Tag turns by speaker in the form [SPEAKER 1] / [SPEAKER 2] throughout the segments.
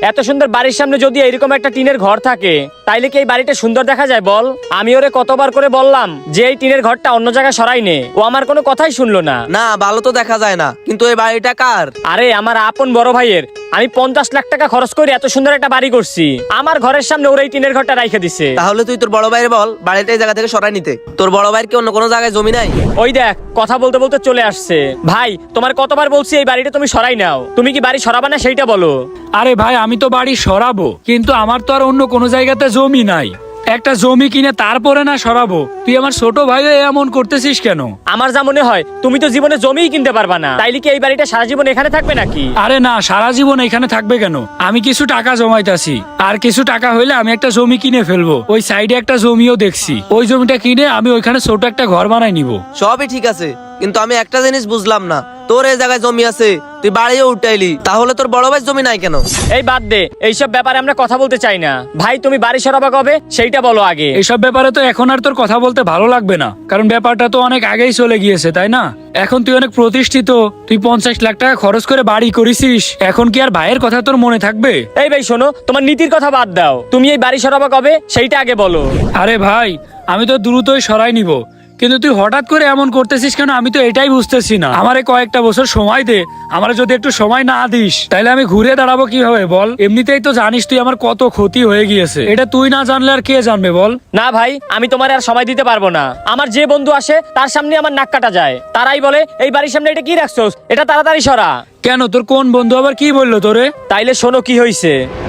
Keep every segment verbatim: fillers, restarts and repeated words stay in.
[SPEAKER 1] এত সুন্দর বাড়ির সামনে যদি এরকম একটা টিনের ঘর থাকে তাইলে কি এই বাড়িটা সুন্দর দেখা যায় বল? আমি ওরে কতবার করে বললাম যে এই টিনের ঘরটা অন্য জায়গায় সরাই নে, ও আমার কোনো কথাই শুনলো না।
[SPEAKER 2] না ভালো তো দেখা যায় না, কিন্তু এই বাড়িটা কার?
[SPEAKER 1] আরে আমার আপন বড় ভাইয়ের। আমি পঞ্চাশ লাখ টাকা খরচ করে এত সুন্দর একটা বাড়ি করছি, আমার ঘরের সামনে ওরা এই টিনের ঘরটা রাইখে দিছে।
[SPEAKER 2] তাহলে তুই তোর বড় ভাইয়ের বল বাড়িটা এই জায়গা থেকে সরাই নিতে। তোর বড় ভাইয়ের কি অন্য কোনো জায়গায় জমি নাই?
[SPEAKER 1] ওই দেখ কথা বলতে বলতে চলে আসছে। ভাই তোমার কতবার বলছি এই বাড়িটা তুমি সরাই নাও, তুমি কি বাড়ি সরাবা না সেইটা বলো।
[SPEAKER 3] আরে ভাই আমি তো বাড়ি সরাবো, কিন্তু আমার তো আর অন্য কোনো জায়গাতে জমি নাই। একটা জমি কিনে তারপরে না সরাবো? তুই আমার ছোট ভাই এমন করতেছিস কেন?
[SPEAKER 1] আমার যা মনে হয় তুমি তো জীবনে জমিই কিনতে পারবা না, তাইলে কি এই বাড়িটা সারা জীবন এখানে থাকবে নাকি?
[SPEAKER 3] আরে না, সারা জীবন এখানে থাকবে কেন? আমি কিছু টাকা জমাইতাছি, আর কিছু টাকা হইলে আমি একটা জমি কিনে ফেলবো। ওই সাইডে একটা জমিও দেখছি, ওই জমিটা কিনে আমি ওইখানে ছোট একটা ঘর বানাই নিব।
[SPEAKER 2] সবই ঠিক আছে, কিন্তু আমি একটা জিনিস বুঝলাম না, তোর এই জায়গায় জমি আছে, তুই বাড়িও উঠাইলি, তাহলে তোর বড় ভাই জমি নাই কেন?
[SPEAKER 1] এই বাদ দে, এইসব ব্যাপারে আমরা কথা বলতে চাই না। ভাই তুমি বাড়ি সরাবা কবে সেইটা বলো আগে।
[SPEAKER 3] এইসব ব্যাপারে তো এখন আর তোর কথা বলতে ভালো লাগবে না, কারণ ব্যাপারটা তো অনেক আগেই চলে গিয়েছে, তাই না? এখন তুই অনেক প্রতিষ্ঠিত, তুই পঞ্চাশ লাখ টাকা খরচ করে বাড়ি করেছিস, এখন কি আর ভাইয়ের কথা তোর মনে থাকবে?
[SPEAKER 1] এই ভাই শোনো, তোমার নীতির কথা বাদ দাও, তুমি এই বাড়ি সরাবা কবে সেইটা আগে বলো।
[SPEAKER 3] আরে ভাই আমি তো দ্রুতই সরাই নিব, কিন্তু তুই হঠাৎ করে এমন করতেছিস কেন আমি তো এটাই বুঝতেছি না। আমারে কয়েকটা বছর সময় দে, আমার যদি একটু সময় না দিস তাহলে আমি ঘুরে দাঁড়াবো কিভাবে বল? এমনিতেই তো জানিস তুই আমার কত ক্ষতি হয়ে গিয়েছে, এটা তুই না জানলে আর কে জানবে বল?
[SPEAKER 1] না ভাই আমি তোমার আর সময় দিতে পারবো না। আমার যে বন্ধু আসে তার সামনে আমার নাক কাটা যায়, তারাই বলে এই বাড়ির সামনে এটা কি রাখছোস, এটা তাড়াতাড়ি সরা।
[SPEAKER 3] কেন তোর কোন বন্ধু আবার কি বললো তোরে?
[SPEAKER 1] তাইলে শোনো কি হয়েছে।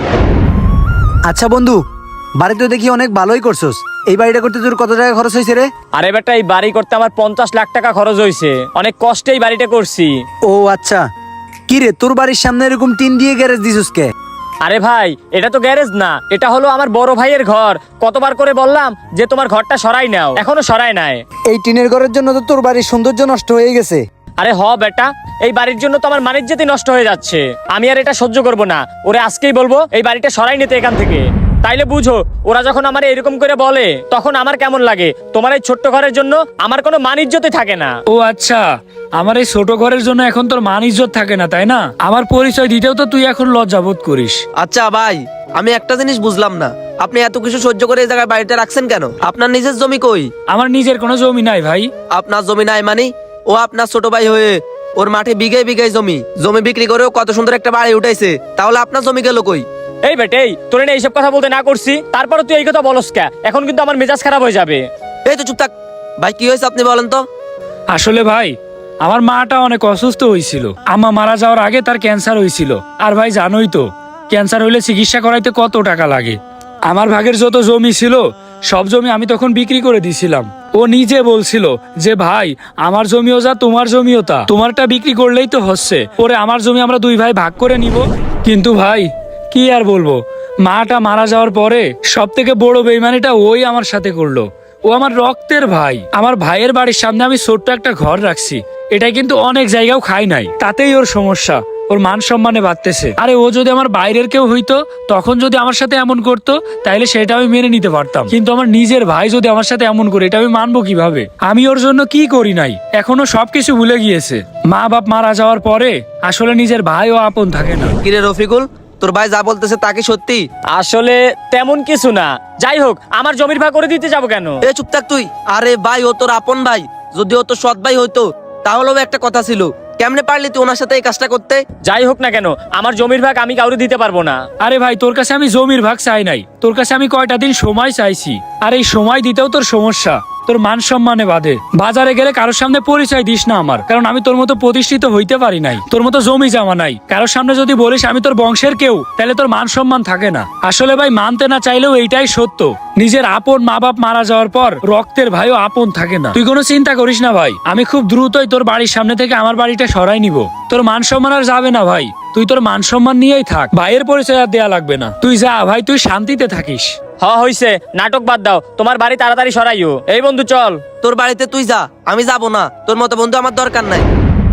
[SPEAKER 4] আচ্ছা বন্ধু, বাড়ি তো দেখি অনেক ভালোই করছস। এই বাড়িটা করতে তোর কত টাকা খরচ হয়েছে রে?
[SPEAKER 1] আরে বেটা এই বাড়ি করতে আমার পঞ্চাশ লাখ টাকা খরচ হয়েছে, অনেক কষ্টে এই বাড়িটা করছি।
[SPEAKER 4] ও আচ্ছা, কি রে তোর বাড়ির সামনে এরকম টিন দিয়ে গ্যারেজ দিছস কে?
[SPEAKER 1] আরে ভাই এটা তো গ্যারেজ না, এটা হলো আমার বড় ভাইয়ের ঘর। কতবার করে বললাম যে তোমার ঘরটা সরাই নাও, এখনো সরাই নাই।
[SPEAKER 4] এই টিনের ঘরের জন্য তো তোর বাড়ির সৌন্দর্য নষ্ট হয়ে গেছে।
[SPEAKER 1] আরে হ বেটা, এই বাড়ির জন্য তো আমার মানিজ্যতি নষ্ট হয়ে যাচ্ছে। আমি আর এটা সহ্য করব না, ওরে আজকেই বলবো এই বাড়িটা সরাই নিতে এখান থেকে। তাইলে বুঝো ওরা যখন আমার এরকম করে বলে তখন আমার কেমন লাগে। তোমার এই ছোট্ট ঘরের জন্য আমার কোনো মানিজ্যতি থাকে না।
[SPEAKER 3] ও আচ্ছা, আমার এই ছোট ঘরের জন্য এখন তোর মান ইজ্জত থাকে না, তাই না? আমার পরিচয় দিতেও তো তুই এখন লজ্জা বোধ করিস।
[SPEAKER 2] আচ্ছা ভাই, আমি একটা জিনিস বুঝলাম না, আপনি এত কিছু সহ্য করে এই জায়গায় বাড়িটা রাখছেন কেন? আপনার নিজের জমি কই?
[SPEAKER 3] আমার নিজের কোনো জমি নাই ভাই।
[SPEAKER 2] আপনার জমি নাই মানে? ও আপনার ছোট ভাই হয়ে ওর মাঠে বিঘায় বিঘায় জমি জমি বিক্রি করেও কত সুন্দর একটা বাড়ি উঠাইছে, তাহলে আপনার জমি গেল কই?
[SPEAKER 1] এই বেটে এই তোরে না এইসব কথা বলতে না করছি, তারপরে তুই এই কথা বলস কে? এখন কিন্তু আমার মেজাজ খারাপ হয়ে যাবে।
[SPEAKER 2] এই তো চুপ থাক ভাই, কি হয়েছে আপনি বলেন তো।
[SPEAKER 3] আসলে ভাই আমার মাটা অনেক অসুস্থ হয়েছিল, আম্মা মারা যাওয়ার আগে তার ক্যান্সার হয়েছিল। আর ভাই জানোই তো ক্যান্সার হইলে চিকিৎসা করাইতে কত টাকা লাগে। আমার ভাগের যত জমি ছিল সব জমি আমি তখন বিক্রি করে দিছিলাম। ও নিজে বলছিল যে ভাই আমার জমিও যা তোমার জমিও তা, তোমারটা বিক্রি করলেই তো হচ্ছে, পরে আমার জমি আমরা দুই ভাই ভাগ করে নিব। কিন্তু ভাই কি আর বলবো, মাটা মারা যাওয়ার পরে সব থেকে বড় বেইমানিটা ওই আমার সাথে করলো। ও আমার রক্তের ভাই, আমার ভাইয়ের বাড়ির সামনে আমি ছোট্ট একটা ঘর রাখছি, এটা কিন্তু অনেক জায়গাও খাই নাই, তাতেই ওর সমস্যা, ওর মান সম্মানে বাড়তেছে। আরে ও যদি আমার বাইরের কেউ হইতো তখন যদি আমার সাথে এমন করতো তাইলে সেটা আমি মেনে নিতে পারতাম, কিন্তু আমার নিজের ভাই যদি আমার সাথে এমন করে এটা আমি মানবো কিভাবে? আমি ওর জন্য কি করি নাই, এখনো সবকিছু ভুলে গিয়েছে। মা বাপ মারা যাওয়ার পরে আসলে নিজের ভাইও আপন থাকে না।
[SPEAKER 2] কিরে রফিকুল, তোর ভাই যা বলতেছে তা কি সত্যি?
[SPEAKER 1] আসলে তেমন কিছু না, যাই হোক আমার জমির ভাগ করে দিতে যাবো কেন?
[SPEAKER 2] এ চুপ থাক তুই। আরে ভাই ও তোর আপন ভাই, যদি ও তোর সৎ ভাই হইতো তাহলেও একটা কথা ছিল, কেমনে পারলি তুই ওনার সাথে এই কাজটা করতে?
[SPEAKER 1] যাই হোক না কেন আমার জমির ভাগ আমি কাউরে দিতে পারবো না।
[SPEAKER 3] আরে ভাই তোর কাছে আমি জমির ভাগ চাই নাই, তোর কাছে আমি কয়টা দিন সময় চাইছি, আর এই সময় দিতেও তোর সমস্যা, তোর মান সম্মানে বাধে। বাজারে গেলে কারোর সামনে পরিচয় দিস না আমার, কারণ আমি তোর মতো প্রতিষ্ঠিত হইতে পারি নাই, তোর মতো জমি জমা নাই। কারোর সামনে যদি বলিস আমি তোর বংশের কেউ তাহলে তোর মান সম্মান থাকে না। আসলে ভাই মানতে না চাইলেও এইটাই সত্য, নিজের আপন মা বাপ মারা যাওয়ার পর রক্তের ভাইও আপন থাকে না। তুই কোনো চিন্তা করিস না ভাই, আমি খুব দ্রুতই তোর বাড়ির সামনে থেকে আমার বাড়িটা সরাই নিব। তোর মান সম্মান আর যাবে না ভাই, তুই তোর মান সম্মান নিয়েই থাক, ভাইয়ের পরিচয় আর দেয়া লাগবে না। তুই যা ভাই, তুই শান্তিতে থাকিস।
[SPEAKER 1] হ হইছে, নাটক বাদ দাও, তোমার বাড়ি তাড়াতাড়ি সরাইও। এই বন্ধু চল।
[SPEAKER 2] তোর বাড়িতে তুই যা, আমি যাব না, তোর মতো বন্ধু আমার দরকার নাই।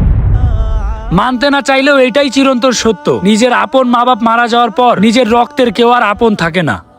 [SPEAKER 3] মানতে না চাইলেও এটাই চিরন্তন সত্য, নিজের আপন মা বাপ মারা যাওয়ার পর নিজের রক্তের কেউ আর আপন থাকে না।